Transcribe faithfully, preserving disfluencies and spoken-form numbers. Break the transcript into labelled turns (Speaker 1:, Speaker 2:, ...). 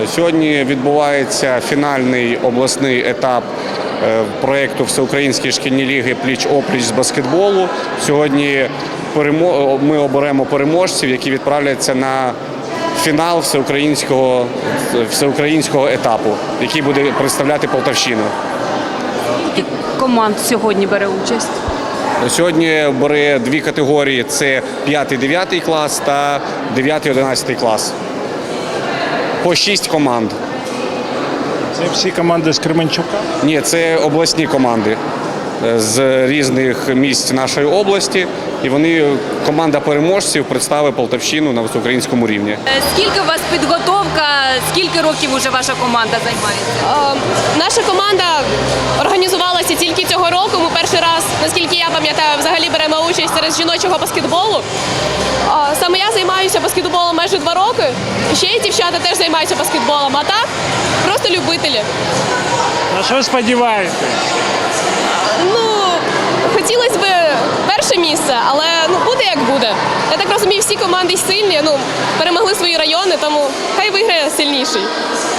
Speaker 1: Сьогодні відбувається фінальний обласний етап проєкту Всеукраїнської шкільні ліги пліч-опліч з баскетболу. Сьогодні ми оберемо переможців, які відправляться на фінал всеукраїнського, всеукраїнського етапу, який буде представляти Полтавщину.
Speaker 2: Скільки команд сьогодні бере участь?
Speaker 1: Сьогодні бере дві категорії – це п'ятий-дев'ятий клас та дев'ятий-одинадцятий клас. По шість команд.
Speaker 3: Це всі команди з Кременчука?
Speaker 1: Ні, це обласні команди з різних місць нашої області. І вони, команда переможців, представить Полтавщину на всеукраїнському рівні.
Speaker 2: Скільки у вас підготовка, скільки років вже ваша команда займається?
Speaker 4: Е, наша команда організувалася тільки цього року. Ми перший раз, наскільки я пам'ятаю, взагалі беремо участь серед жіночого баскетболу. Е, саме я займаюся баскетболом майже два роки. І ще й дівчата теж займаються баскетболом. А так, просто любителі.
Speaker 3: На що сподіваєтесь?
Speaker 4: Ну, хотілося б перше місце, але ну, буде як буде. Я так розумію, всі команди сильні, ну, перемогли свої райони, тому хай виграє сильніший.